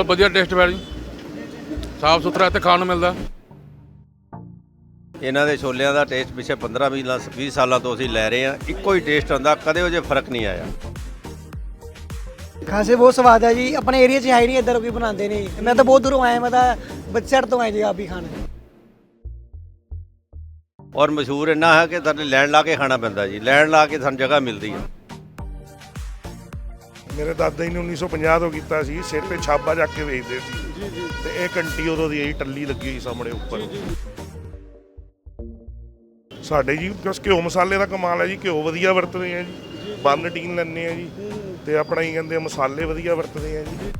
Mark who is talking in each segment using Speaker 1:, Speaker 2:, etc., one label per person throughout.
Speaker 1: बहुत वधिया टेस्ट है जी, साफ सुथरा इत्थे खाण नूं मिलदा।
Speaker 2: ਇਹਨਾਂ ਦੇ ਛੋਲਿਆਂ ਦਾ ਟੇਸਟ ਪਿਛੇ 15-20 ਸਾਲਾਂ ਤੋਂ ਅਸੀਂ ਲੈ ਰਹੇ ਹਾਂ, ਇੱਕੋ ਹੀ ਟੇਸਟ ਹੁੰਦਾ, ਕਦੇ ਉਹ ਜੇ ਫਰਕ ਨਹੀਂ ਆਇਆ।
Speaker 3: ਖਾਸੇ ਬਹੁਤ ਸਵਾਦ ਹੈ ਜੀ, ਆਪਣੇ ਏਰੀਆ 'ਚ ਹੈ ਹੀ ਨਹੀਂ ਇੱਧਰ ਕੋਈ ਬਣਾਉਂਦੇ ਨਹੀਂ। ਮੈਂ ਤਾਂ ਬਹੁਤ ਦੂਰੋਂ ਆਇਆ, ਮੈਂ ਤਾਂ ਬੱਚੜ ਤੋਂ ਆਇਆ ਜੀ ਆਪ ਹੀ ਖਾਣ।
Speaker 2: ਔਰ ਮਸ਼ਹੂਰ ਇੰਨਾ ਹੈ ਕਿ ਸਾਡੇ ਲੈਣ ਲਾ ਕੇ ਖਾਣਾ ਪੈਂਦਾ ਜੀ, ਲੈਣ ਲਾ ਕੇ ਸਾਨੂੰ ਜਗ੍ਹਾ ਮਿਲਦੀ ਹੈ।
Speaker 4: ਮੇਰੇ ਦਾਦਾ ਜੀ ਨੇ 1950 ਤੋਂ ਕੀਤਾ ਸੀ, ਸਿਰ ਤੇ ਛਾਬਾ ਚੱਕ ਕੇ ਵੇਚਦੇ ਸੀ ਤੇ ਇਹ ਕੰਟੀ ਉਦੋਂ ਦੀ ਟੱਲੀ ਲੱਗੀ ਹੋਈ ਸਾਹਮਣੇ ਉੱਪਰ। ਸਾਡੇ ਜੀ ਬਸ ਘਿਓ ਮਸਾਲੇ ਦਾ ਕਮਾਲ ਹੈ ਜੀ, ਘਿਓ ਵਧੀਆ ਵਰਤਦੇ ਆ ਜੀ, ਬੰਨ ਟੀਨ ਲੈਂਦੇ ਆ ਜੀ ਤੇ ਆਪਣਾ ਹੀ ਕਹਿੰਦੇ ਮਸਾਲੇ ਵਧੀਆ ਵਰਤਦੇ ਆ ਜੀ।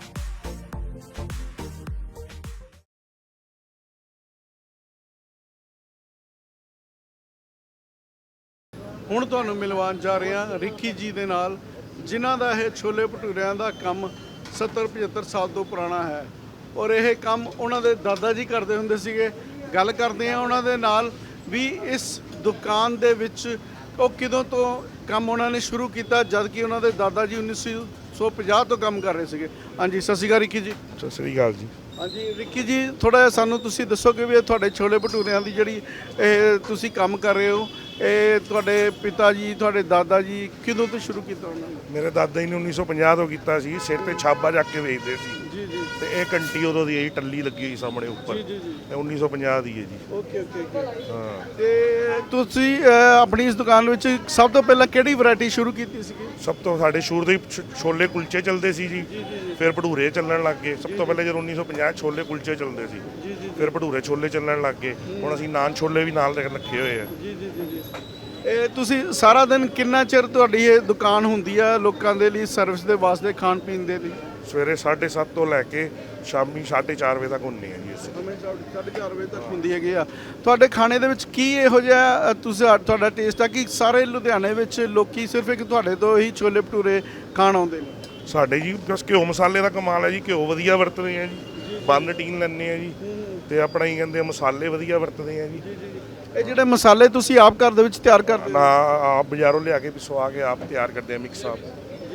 Speaker 5: ਹੁਣ ਤੁਹਾਨੂੰ ਮਿਲਵਾਉਣ ਜਾ ਰਹੇ ਹਾਂ ਰਿੱਕੀ ਜੀ ਦੇ ਨਾਲ, ਜਿਨ੍ਹਾਂ ਦਾ ਇਹ ਛੋਲੇ ਭਟੂਰਿਆਂ ਦਾ ਕੰਮ 70-75 ਸਾਲ ਤੋਂ ਪੁਰਾਣਾ ਹੈ ਔਰ ਇਹ ਕੰਮ ਉਹਨਾਂ ਦੇ ਦਾਦਾ ਜੀ ਕਰਦੇ ਹੁੰਦੇ ਸੀਗੇ। ਗੱਲ ਕਰਦੇ ਹਾਂ ਉਹਨਾਂ ਦੇ ਨਾਲ ਵੀ ਇਸ ਦੁਕਾਨ ਦੇ ਵਿੱਚ ਉਹ ਕਦੋਂ ਤੋਂ ਕੰਮ ਉਹਨਾਂ ਨੇ ਸ਼ੁਰੂ ਕੀਤਾ, ਜਦ ਕਿ ਉਹਨਾਂ ਦੇ ਦਾਦਾ ਜੀ 1950 ਤੋਂ ਕੰਮ ਕਰ ਰਹੇ ਸੀਗੇ। ਹਾਂਜੀ, ਸਤਿ ਸ਼੍ਰੀ ਅਕਾਲ ਰਿੱਕੀ ਜੀ।
Speaker 4: ਸਤਿ ਸ੍ਰੀ ਅਕਾਲ ਜੀ।
Speaker 5: ਹਾਂਜੀ ਰਿੱਕੀ ਜੀ, ਥੋੜ੍ਹਾ ਜਿਹਾ ਸਾਨੂੰ ਤੁਸੀਂ ਦੱਸੋ ਕਿ ਵੀ ਇਹ ਤੁਹਾਡੇ ਛੋਲੇ ਭਟੂਰਿਆਂ ਦੀ ਜਿਹੜੀ ਇਹ ਤੁਸੀਂ ਕੰਮ ਕਰ ਰਹੇ ਹੋ, ਇਹ ਤੁਹਾਡੇ ਪਿਤਾ ਜੀ ਤੁਹਾਡੇ ਦਾਦਾ ਜੀ ਕਦੋਂ ਤੋਂ ਸ਼ੁਰੂ ਕੀਤਾ ਉਹਨਾਂ ਨੇ?
Speaker 4: ਮੇਰੇ ਦਾਦਾ ਜੀ ਨੇ 1950 ਤੋਂ ਕੀਤਾ ਸੀ, ਸਿਰ ਤੇ ਛਾਬਾ ਚੱਕ ਕੇ ਵੇਚਦੇ ਸੀ
Speaker 5: ਜੀ ਜੀ
Speaker 4: ਤੇ ਇਹ ਕੰਟੀ ਉਦੋਂ ਦੀ ਟੱਲੀ ਲੱਗੀ ਹੋਈ ਸਾਹਮਣੇ ਉੱਪਰ।
Speaker 5: ਜੀ ਜੀ ਜੀ।
Speaker 4: ਇਹ 1950 ਦੀ ਹੈ ਜੀ।
Speaker 5: Okay okay okay.
Speaker 4: ਹਾਂ,
Speaker 5: ਤੇ ਤੁਸੀਂ ਆਪਣੀ ਇਸ ਦੁਕਾਨ ਵਿੱਚ ਸਭ ਤੋਂ ਪਹਿਲਾਂ ਕਿਹੜੀ ਵੈਰਾਈਟੀ ਸ਼ੁਰੂ ਕੀਤੀ ਸੀਗੀ?
Speaker 4: ਸਭ ਤੋਂ ਸਾਡੇ ਸ਼ੁਰੂ ਤੋਂ ਹੀ ਛੋਲੇ ਕੁਲਚੇ ਚੱਲਦੇ ਸੀ ਜੀ, ਫਿਰ ਭਟੂਰੇ ਚੱਲਣ ਲੱਗ ਗਏ। ਸਭ ਤੋਂ ਪਹਿਲੇ ਜਦੋਂ 1950 ਛੋਲੇ ਕੁਲਚੇ ਚੱਲਦੇ ਸੀ, ਫਿਰ ਭਟੂਰੇ ਛੋਲੇ ਚੱਲਣ ਲੱਗ ਗਏ। ਹੁਣ ਅਸੀਂ ਨਾਨ ਛੋਲੇ ਵੀ ਨਾਲ ਰੱਖੇ ਹੋਏ ਆ।
Speaker 5: ਜੀ ਜੀ ਜੀ ਜੀ। ਇਹ ਤੁਸੀਂ ਸਾਰਾ ਦਿਨ ਕਿੰਨਾ ਚਿਰ ਤੁਹਾਡੀ ਇਹ ਦੁਕਾਨ ਹੁੰਦੀ ਆ ਲੋਕਾਂ ਦੇ ਲਈ ਸਰਵਿਸ ਦੇ ਵਾਸਤੇ, ਖਾਣ ਪੀਣ ਦੇ ਲਈ?
Speaker 4: ਸਵੇਰੇ 7:30 ਤੋਂ ਲੈ ਕੇ ਸ਼ਾਮੀ 4:30 ਵਜੇ ਤੱਕ ਹੁੰਦੇ ਆ ਜੀ ਅਸੀਂ।
Speaker 5: 4:30 ਵਜੇ ਤੱਕ ਹੁੰਦੀ ਹੈਗੀ ਆ। ਤੁਹਾਡੇ ਖਾਣੇ ਦੇ ਵਿੱਚ ਕੀ ਇਹੋ ਜਿਹਾ ਤੁਹਾਡਾ ਟੇਸਟ ਆ ਕਿ ਸਾਰੇ ਲੁਧਿਆਣੇ ਵਿੱਚ ਲੋਕੀ ਸਿਰਫ ਇੱਕ ਤੁਹਾਡੇ ਤੋਂ ਹੀ ਛੋਲੇ ਭਟੂਰੇ ਖਾਣ ਆਉਂਦੇ ਨੇ?
Speaker 4: ਸਾਡੇ ਜੀ ਬਸ ਘਿਓ ਮਸਾਲੇ ਦਾ ਕਮਾਲ ਹੈ ਜੀ, ਘਿਓ ਵਧੀਆ ਵਰਤਦੇ ਆ ਜੀ, ਬੰਨ ਟੀਨ ਲੈਂਦੇ ਆ ਜੀ ਤੇ ਆਪਣਾ ਹੀ ਕਹਿੰਦੇ ਮਸਾਲੇ ਵਧੀਆ ਵਰਤਦੇ ਆ ਜੀ।
Speaker 5: ਇਹ ਜਿਹੜੇ ਮਸਾਲੇ ਤੁਸੀਂ ਆਪ ਘਰ ਦੇ ਵਿੱਚ ਤਿਆਰ ਕਰਦੇ
Speaker 4: ਨਾ ਆਪ ਬਾਜ਼ਾਰੋਂ ਲਿਆ ਕੇ ਪਿਸਵਾ ਕੇ ਆਪ ਤਿਆਰ ਕਰਦੇ ਆ ਮਿਕਸ ਆਪ।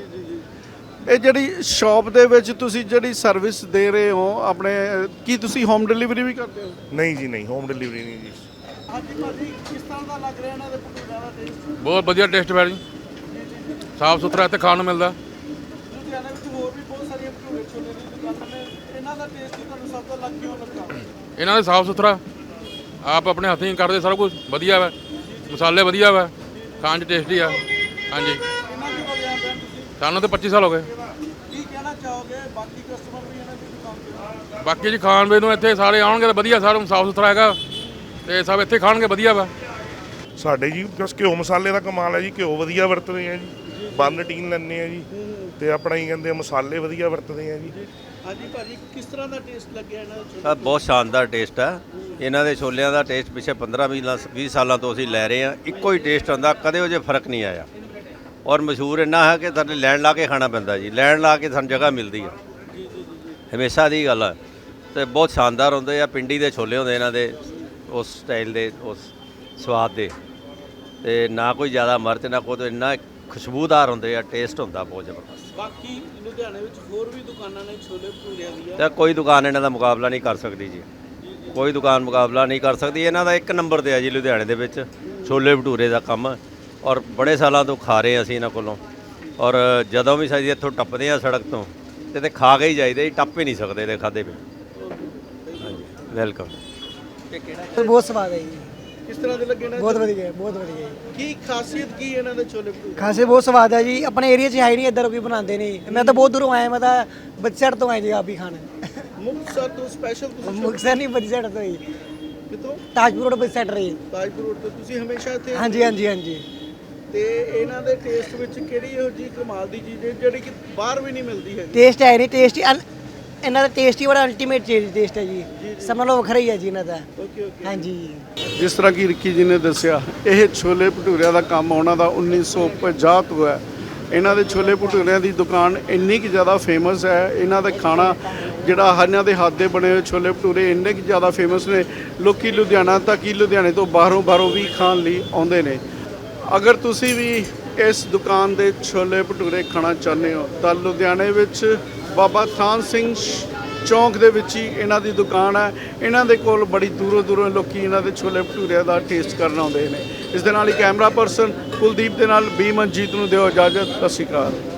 Speaker 5: ਇਹ ਜਿਹੜੀ ਸ਼ਾਪ ਦੇ ਵਿੱਚ ਤੁਸੀਂ ਜਿਹੜੀ ਸਰਵਿਸ ਦੇ ਰਹੇ ਹੋ ਆਪਣੇ, ਕੀ ਤੁਸੀਂ ਹੋਮ ਡਿਲੀਵਰੀ ਵੀ ਕਰਦੇ ਹੋ?
Speaker 4: ਨਹੀਂ ਜੀ ਨਹੀਂ, ਹੋਮ ਡਿਲੀਵਰੀ ਨਹੀਂ ਜੀ।
Speaker 5: ਹਾਂਜੀ ਭਾਜੀ, ਕਿਸ ਤਰ੍ਹਾਂ ਦਾ ਲੱਗ ਰਿਹਾ ਇਹਨਾਂ ਦੇ ਭਟੂਰਿਆਂ ਦਾ ਟੇਸਟ?
Speaker 1: बहुत वधिया टेस्ट है जी, साफ सुथरा इत्थे खाण नूं मिलदा।
Speaker 5: ਲੁਧਿਆਣੇ ਵਿੱਚ ਹੋਰ ਵੀ ਬਹੁਤ ਸਾਰੀਆਂ ਭਟੂਰੇ ਛੋਲੇ ਦੀ ਦੁਕਾਨਾਂ ਨੇ, ਇਹਨਾਂ ਦਾ ਟੇਸਟ ਤੁਹਾਨੂੰ ਸਭ ਤੋਂ ਅਲੱਗ ਕਿਉਂ ਲੱਗਾ?
Speaker 1: ਇਹਨਾਂ ਦੇ ਸਾਫ ਸੁਥਰਾ ਆਪ ਆਪਣੇ ਹੱਥੀਂ ਕਰਦੇ, ਸਾਰਾ ਕੁਝ ਵਧੀਆ ਵਾ, ਮਸਾਲੇ ਵਧੀਆ ਵਾ, ਖਾਣ 'ਚ ਟੇਸਟੀ ਆ। ਹਾਂਜੀ,
Speaker 5: ਇਹਨਾਂ ਦੀ ਹੋ ਜਾਂਦੇ ਤੁਸੀਂ
Speaker 1: ਸਾਨੂੰ ਤਾਂ 25 ਸਾਲ ਹੋ ਗਏ।
Speaker 5: ਕੀ ਕਹਿਣਾ ਚਾਹੋਗੇ ਬਾਕੀ ਕਸਟਮਰ ਵੀ ਇਹਨਾਂ ਦੀ ਦੁਕਾਨ ਤੇ?
Speaker 1: ਬਾਕੀ ਜੀ ਖਾਣ ਵੇ ਨੂੰ ਇੱਥੇ ਸਾਰੇ ਆਉਣਗੇ ਤਾਂ ਵਧੀਆ, ਸਾਰਾ ਸਾਫ ਸੁਥਰਾ ਹੈਗਾ ਤੇ ਸਭ ਇੱਥੇ ਖਾਣਗੇ ਵਧੀਆ ਵਾ।
Speaker 4: ਸਾਡੇ ਜੀ ਬਸ ਘਿਓ ਮਸਾਲੇ ਦਾ ਕਮਾਲ ਹੈ ਜੀ, ਘਿਓ ਵਧੀਆ ਵਰਤਦੇ ਆ ਜੀ, ਬੰਨ ਟੀਨ ਲੈਂਦੇ ਆ ਜੀ ਤੇ ਆਪਣਾ ਹੀ ਕਹਿੰਦੇ ਮਸਾਲੇ ਵਧੀਆ ਵਰਤਦੇ ਆ ਜੀ।
Speaker 5: ਹਾਂਜੀ ਭਾਜੀ, ਕਿਸ ਤਰ੍ਹਾਂ ਦਾ ਟੇਸਟ ਲੱਗਿਆ ਇਹਨਾਂ ਦੇ
Speaker 2: ਸਰ ਬਹੁਤ ਸ਼ਾਨਦਾਰ ਟੇਸਟ ਹੈ ਇਹਨਾਂ ਦੇ ਛੋਲਿਆਂ ਦਾ ਟੇਸਟ ਪਿਛੇ 15-20 ਸਾਲਾਂ ਤੋਂ ਅਸੀਂ ਲੈ ਰਹੇ ਹਾਂ, ਇੱਕੋ ਹੀ ਟੇਸਟ ਹੁੰਦਾ, ਕਦੇ ਉਹ ਜੇ ਫਰਕ ਨਹੀਂ ਆਇਆ। ਔਰ ਮਸ਼ਹੂਰ ਇੰਨਾ ਹੈ ਕਿ ਸਾਡੇ ਲੈਣ ਲਾ ਕੇ ਖਾਣਾ ਪੈਂਦਾ ਜੀ, ਲੈਣ ਲਾ ਕੇ ਸਾਨੂੰ ਜਗ੍ਹਾ ਮਿਲਦੀ ਹੈ, ਹਮੇਸ਼ਾ ਦੀ ਗੱਲ ਹੈ। ਤੇ ਬਹੁਤ ਸ਼ਾਨਦਾਰ ਹੁੰਦੇ ਆ, ਪਿੰਡੀ ਦੇ ਛੋਲੇ ਹੁੰਦੇ ਇਹਨਾਂ ਦੇ, ਉਸ ਸਟਾਈਲ ਦੇ, ਉਸ ਸਵਾਦ ਦੇ, ਤੇ ਨਾ ਕੋਈ ਜ਼ਿਆਦਾ ਮਿਰਚ ਨਾ ਕੋਈ, ਇੰਨਾ ਖੁਸ਼ਬੂਦਾਰ ਹੁੰਦੇ ਆ, ਟੇਸਟ ਹੁੰਦਾ ਬਹੁਤ ਜ਼ਬਰਦਸਤ।
Speaker 5: ਬਾਕੀ ਲੁਧਿਆਣੇ ਵਿੱਚ ਹੋਰ ਵੀ ਦੁਕਾਨਾਂ ਨੇ ਛੋਲੇ ਭਟੂਰਿਆਂ ਦੀਆਂ,
Speaker 2: ਤਾਂ ਕੋਈ ਦੁਕਾਨ ਇਹਨਾਂ ਦਾ ਮੁਕਾਬਲਾ ਨਹੀਂ ਕਰ ਸਕਦੀ ਜੀ, ਕੋਈ ਦੁਕਾਨ ਮੁਕਾਬਲਾ ਨਹੀਂ ਕਰ ਸਕਦੀ। ਇਹਨਾਂ ਦਾ ਇੱਕ ਨੰਬਰ ਤੇ ਆ ਜੀ ਲੁਧਿਆਣੇ ਦੇ ਵਿੱਚ ਛੋਲੇ ਭਟੂਰੇ ਦਾ ਕੰਮ, ਔਰ ਬੜੇ ਸਾਲਾਂ ਤੋਂ ਖਾ ਰਹੇ ਅਸੀਂ ਇਹਨਾਂ ਕੋਲੋਂ। ਔਰ ਜਦੋਂ ਵੀ ਅਸੀਂ ਇੱਥੋਂ ਟੱਪਦੇ ਆ ਸੜਕ ਤੋਂ ਤੇ ਖਾ ਕੇ ਹੀ ਜਾਈਦੇ ਜੀ, ਟੱਪ ਹੀ ਨਹੀਂ ਸਕਦੇ ਇਹਦੇ ਖਾਦੇ ਪਏ। ਹਾਂਜੀ, ਵੈਲਕਮ।
Speaker 3: ਬਹੁਤ ਸਵਾਦ ਹੈ ਜੀ,
Speaker 5: ਕਿਸ ਤਰ੍ਹਾਂ ਦੇ ਲੱਗੇ ਨੇ?
Speaker 3: ਬਹੁਤ ਵਧੀਆ, ਬਹੁਤ ਵਧੀਆ।
Speaker 5: ਕੀ ਖਾਸੀਅਤ ਕੀ ਇਹਨਾਂ ਦੇ ਛੋਲੇ ਭਟੂਰੇ?
Speaker 3: ਖਾਸੇ ਬਹੁਤ ਸਵਾਦ ਹੈ ਜੀ, ਆਪਣੇ ਏਰੀਆ 'ਚ ਹੈ ਹੀ ਨਹੀਂ ਇੱਧਰ ਕੋਈ ਬਣਾਉਂਦੇ ਨਹੀਂ। ਮੈਂ ਤਾਂ ਬਹੁਤ ਦੂਰੋਂ ਆਇਆ, ਮੈਂ ਤਾਂ ਬੱਚੜ ਤੋਂ ਆਇਆ ਜੀ ਆਪ ਹੀ ਖਾਣ।
Speaker 5: ਮੁਕਤਸਰ ਤੋਂ ਸਪੈਸ਼ਲ ਤੁਸੀਂ
Speaker 3: ਮੁਕਤਸਰ ਨਹੀਂ, ਬੱਚੜ ਤੋਂ ਹੀ,
Speaker 5: ਕਿਤੋਂ?
Speaker 3: ਤਾਜਪੁਰ ਰੋਡ ਬੱਚੜ ਰਹੀ।
Speaker 5: ਤਾਜਪੁਰ ਰੋਡ ਤੋਂ ਤੁਸੀਂ ਹਮੇਸ਼ਾ ਇੱਥੇ?
Speaker 3: ਹਾਂਜੀ ਹਾਂਜੀ ਹਾਂਜੀ।
Speaker 5: ਤੇ ਇਹਨਾਂ ਦੇ ਟੇਸਟ ਵਿੱਚ ਕਿਹੜੀ ਇਹੋ ਜੀ ਕਮਾਲ ਦੀ ਚੀਜ਼ ਹੈ ਜਿਹੜੀ ਕਿ ਬਾਹਰ ਵੀ ਨਹੀਂ ਮਿਲਦੀ ਹੈ?
Speaker 3: ਟੇਸਟ ਹੈ ਨਹੀਂ, ਟੇਸਟ ਇਹਨਾਂ ਦਾ ਟੇਸਟ ਹੀ ਬੜਾ ਅਲਟੀਮੇਟ ਟੇਸਟ ਹੈ ਜੀ, ਸਮਝ ਲਓ ਵੱਖਰਾ ਹੀ ਹੈ ਜੀ ਇਹਨਾਂ ਦਾ।
Speaker 5: Okay okay.
Speaker 3: ਹਾਂਜੀ,
Speaker 5: ਜਿਸ ਤਰ੍ਹਾਂ ਕਿ ਰਿੱਕੀ ਜੀ ਨੇ ਦੱਸਿਆ, ਇਹ ਛੋਲੇ ਭਟੂਰਿਆਂ ਦਾ ਕੰਮ ਉਹਨਾਂ ਦਾ 1950 ਤੋਂ ਹੈ। ਇਹਨਾਂ ਦੇ ਛੋਲੇ ਭਟੂਰਿਆਂ ਦੀ ਦੁਕਾਨ ਇੰਨੀ ਕਿ ਜ਼ਿਆਦਾ ਫੇਮਸ ਹੈ, ਇਹਨਾਂ ਦਾ ਖਾਣਾ ਜਿਹੜਾ ਇਹਨਾਂ ਦੇ ਹੱਥ ਦੇ ਬਣੇ ਹੋਏ ਛੋਲੇ ਭਟੂਰੇ ਇੰਨੇ ਕਿ ਜ਼ਿਆਦਾ ਫੇਮਸ ਨੇ, ਲੋਕੀ ਲੁਧਿਆਣਾ ਤੱਕ ਹੀ ਲੁਧਿਆਣੇ ਤੋਂ ਬਾਹਰੋਂ ਵੀ ਖਾਣ ਲਈ ਆਉਂਦੇ ਨੇ। ਅਗਰ ਤੁਸੀਂ ਵੀ ਇਸ ਦੁਕਾਨ ਦੇ ਛੋਲੇ ਭਟੂਰੇ ਖਾਣਾ ਚਾਹੁੰਦੇ ਹੋ ਤਾਂ ਲੁਧਿਆਣੇ ਵਿੱਚ ਬਾਬਾ ਥਾਨ ਸਿੰਘ ਚੌਂਕ ਦੇ ਵਿੱਚ ਹੀ ਇਹਨਾਂ ਦੀ ਦੁਕਾਨ ਹੈ। ਇਹਨਾਂ ਦੇ ਕੋਲ ਬੜੀ ਦੂਰੋਂ ਲੋਕੀ ਇਹਨਾਂ ਦੇ ਛੋਲੇ ਭਟੂਰਿਆਂ ਦਾ ਟੇਸਟ ਕਰਨ ਆਉਂਦੇ ਨੇ। ਇਸ ਦੇ ਨਾਲ ਹੀ ਕੈਮਰਾ ਪਰਸਨ ਕੁਲਦੀਪ ਦੇ ਨਾਲ ਬੀ ਮਨਜੀਤ ਨੂੰ ਦਿਓ ਇਜਾਜ਼ਤ। ਸਤਿ ਸ਼੍ਰੀ ਅਕਾਲ।